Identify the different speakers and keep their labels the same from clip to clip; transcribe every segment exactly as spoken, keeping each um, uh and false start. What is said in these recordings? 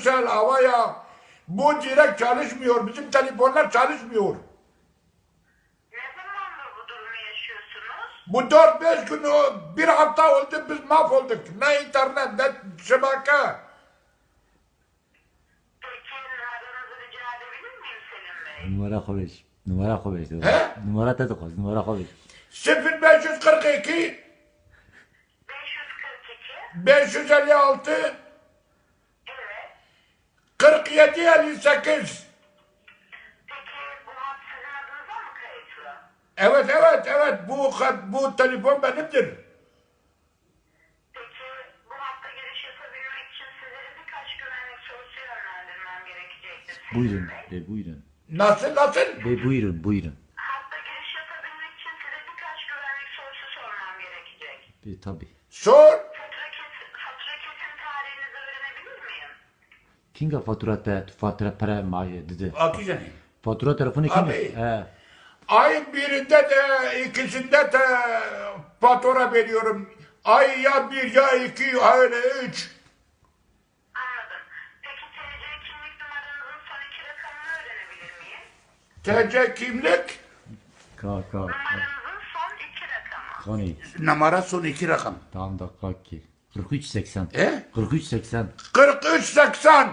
Speaker 1: Turkcell, Havaya. Bu direkt çalışmıyor. Bizim telefonlar çalışmıyor.
Speaker 2: Ne zamandır bu durumu yaşıyorsunuz?
Speaker 1: Bu dört beş gün, o- bir hafta oldu biz mahvolduk. Ne internet, ne şebeke.
Speaker 2: Peki numaranızı rica edebilir miyim Selim Bey?
Speaker 3: Numara konuş. Numara konuş.
Speaker 1: He?
Speaker 3: Numara da konuş. Numara konuş.
Speaker 1: sıfır beş yüz kırk iki
Speaker 2: beş yüz kırk iki.
Speaker 1: beş yüz elli altı
Speaker 2: Evet.
Speaker 1: kırk yedi elli sekiz.
Speaker 2: Peki bu hat sizin adınıza mı kayıtlı?
Speaker 1: Evet evet evet bu hat- bu telefon benimdir.
Speaker 2: Peki bu hatta giriş yapabilmek için sizlere birkaç güvenlik sorusu yönlendirmem gerekecektir. Selim
Speaker 3: Buyurun.
Speaker 2: Bey.
Speaker 3: Be buyurun.
Speaker 1: Nasıl nasıl?
Speaker 3: Be buyurun. Buyurun.
Speaker 2: Hatta giriş yapabilmek için size birkaç güvenlik sorusu sormam gerekecek.
Speaker 3: Be tabi.
Speaker 1: Sor.
Speaker 2: Fatura kesim, fatura kesim tarihinizi öğrenebilir miyim?
Speaker 3: Kinga fatura te fatura para maaşı dedi.
Speaker 1: Akıcı.
Speaker 3: Fatura telefonu kim?
Speaker 1: Abi.
Speaker 3: He.
Speaker 1: Ayın birinde de ikisinde de fatura veriyorum. Ay ya bir ya iki öyle üç.
Speaker 2: Anladım. Peki T C kimlik numaranızın son iki rakamını öğrenebilir miyim?
Speaker 1: T C kimlik
Speaker 3: Ka ka.
Speaker 2: Numaranızın son iki rakamı.
Speaker 3: Kani.
Speaker 1: numara son iki rakam.
Speaker 3: Tamam da kaki. kırk üç seksen.
Speaker 1: E?
Speaker 3: kırk üç seksen.
Speaker 1: kırk üç seksen.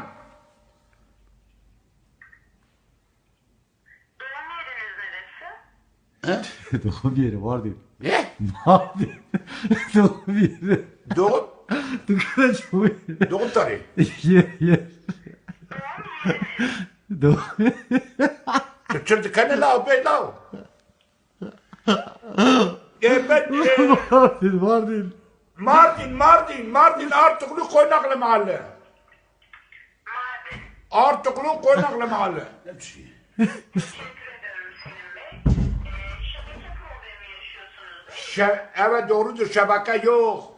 Speaker 2: Doğum yeriniz neresi?
Speaker 1: He?
Speaker 3: Doğum yeri var değil.
Speaker 1: Ne?
Speaker 3: Abi. Doğum yeri.
Speaker 1: Doğum,
Speaker 3: Dükkan çoğu yeri.
Speaker 1: doğum tarihi.
Speaker 3: Yer yer.
Speaker 2: Doğum yeriniz.
Speaker 3: Doğum.
Speaker 1: Çocuk kanı lav bey lav. E ben e,
Speaker 3: Var değil. Var değil.
Speaker 1: Mardin, Mardin, Mardin Artuklu Konaklı Mahalle.
Speaker 2: Mardin.
Speaker 1: Artuklu Konaklı Mahalle.
Speaker 2: Teşekkür ederim Selim Bey. Ee, şebeke problemi yaşıyorsunuz değil mi?
Speaker 1: Şe evet doğrudur, şebeke yok.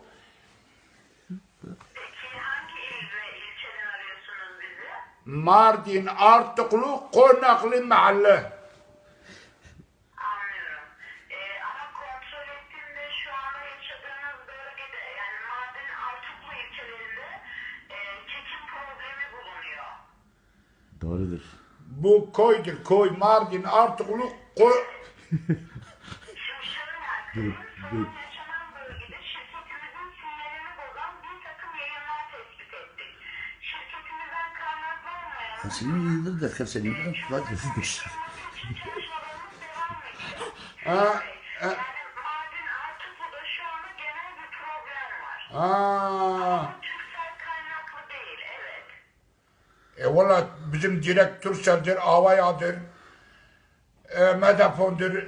Speaker 2: Peki hangi il ve ilçeden arıyorsunuz bizi?
Speaker 1: Mardin Artuklu Konaklı Mahalle.
Speaker 2: Anlıyorum. Ee, ama kontrol ettiğimde şu anda yaşadığınız bölgede yani Mardin Artuklu ilçelerinde e, çekim problemi bulunuyor.
Speaker 3: Doğrudur.
Speaker 1: Bu koydur, koy Mardin Artuklu koy.
Speaker 2: Şimdi şöyle aktarayım. Sorun yaşanan bölgede şirketimizin sinyalini bozan bir takım yayınlar tespit ettik. Şirketimizden kaynaklı olmayan
Speaker 4: Senin yıldır da senin yıldır var.
Speaker 2: çalışmalarımız devam ediyor.
Speaker 1: Ha,
Speaker 2: Yani Mardin Artuklu'da şu anda genel bir problem var.
Speaker 1: ha.
Speaker 2: Bu Türksel kaynaklı değil, evet.
Speaker 1: E valla bizim direktör sendir, Avayadır. E, Medafon'dur.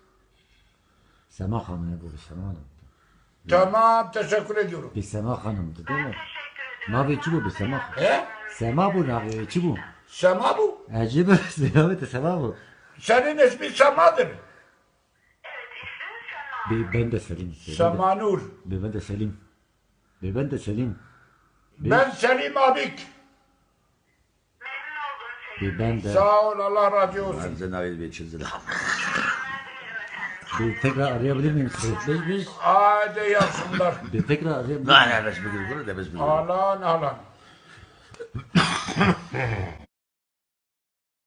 Speaker 3: Sema Hanım bu Sema Hanım.
Speaker 1: Tamam, teşekkür ediyorum.
Speaker 3: Bir Sema Hanım'dı değil mi?
Speaker 2: Teşekkür ederim.
Speaker 3: Ne yapıyor ki bu bir Sema?
Speaker 1: He?
Speaker 3: Sema bu ne yapıyor ki bu?
Speaker 1: Sema bu.
Speaker 3: Acaba evet Sema bu.
Speaker 1: Senin ismin Sema'dır.
Speaker 2: Evet, ismim Sema.
Speaker 3: Be, ben de Selim. Be, ben de-
Speaker 1: Semanur.
Speaker 3: Be, ben de Selim. Be, ben de Selim.
Speaker 1: Ben Selim Abik.
Speaker 2: Memnun oldum Selim.
Speaker 3: Be, ben de.
Speaker 1: Sağ ol, Allah razı olsun.
Speaker 4: Arıza nail bir çizdi.
Speaker 3: Be, tekrar arayabilir miyim sizi? Be, be,
Speaker 1: Hadi yapsınlar.
Speaker 3: be, tekrar arayabilir miyim?
Speaker 4: Ne ne besmele bunu da besmele.
Speaker 1: Alan alan.